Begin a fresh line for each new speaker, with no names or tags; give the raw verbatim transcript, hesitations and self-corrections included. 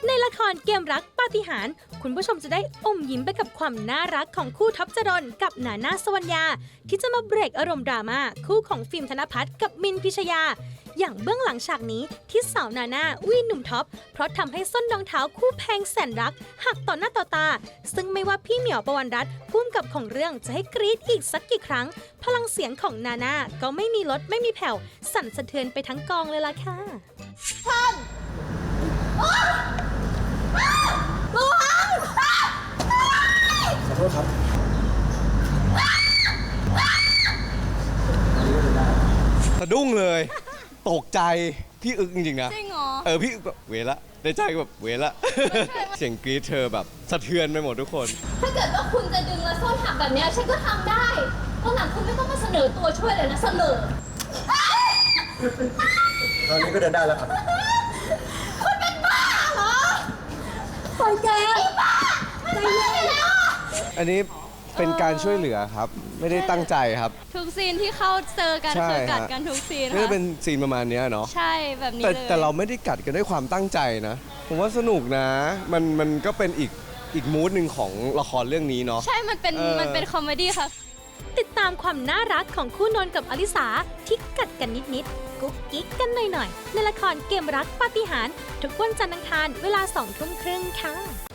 ในละครเกมรักปาฏิหาริย์คุณผู้ชมจะได้อมยิ้มไปกับความน่ารักของคู่ท็อปจรนกับนาน่าสวรรณยาที่จะมาเบรกอารมณ์ดราม่าคู่ของฟิล์มธนภัทรกับมินพิชยาอย่างเบื้องหลังฉากนี้ที่สาวนาน่าวีหนุ่มท็อปเพราะทำให้ส้นรองเท้าคู่แพงแสนรักหักต่อหน้าต่อตาซึ่งไม่ว่าพี่เหมียวปวรรณรัตน์พุ่มกับของเรื่องจะให้กรี๊ดอีกสักกี่ครั้งพลังเสียงของนาน่าก็ไม่มีลดไม่มีแผ่วสั่นสะเทือนไปทั้งกองเลยล่ะค่ะ
ขอโทษครับสะดุ้งเลยตกใจพี่อึกจริงๆนะ
จริงเหรอ
เออพี่อึกแบบเวละในใจแบบเวละ เสียงกรี๊ดเธอแบบสะเทือนไปหมดทุกคน
ถ้าเกิดว่าคุณจะดึงและส้นหักแบบนี้ฉันก็ทำได้ตอนหลังคุณไม่ต้องมาเสนอตัวช่วยเลยนะเสนอ
ตอนนี้ก็เดินได้แล้วครับ
คุณเป็นบ้าเหรอปล่อยแกไอ้บ้าใจเย็นแล้ว
อันนี้เป็นการช่วยเหลือครับไม่ได้ตั้งใจครับ
ทุกซีนที่เข้าเจอกันคือกัดกันทุกซีน
ค่ะก็เป็นซีนประมาณนี้เนาะ
ใช่แบบนี้
แต่
เลย
แต่เราไม่ได้กัดกันด้วยความตั้งใจนะผมว่าสนุกนะมันมันก็เป็นอีกอีกมูดหนึ่งของละครเรื่องนี้เนาะ
ใช่มันเป็นมันเป็นคอมเมดี้ค่ะ
ติดตามความน่ารักของคู่นนท์กับอลิสาที่กัดกันนิดๆกุ๊กกิ๊กกันหน่อยๆในละครเกมรักปาฏิหาริย์ทุกวันจันทร์อังคารเวลาสองทุ่มครึ่งค่ะ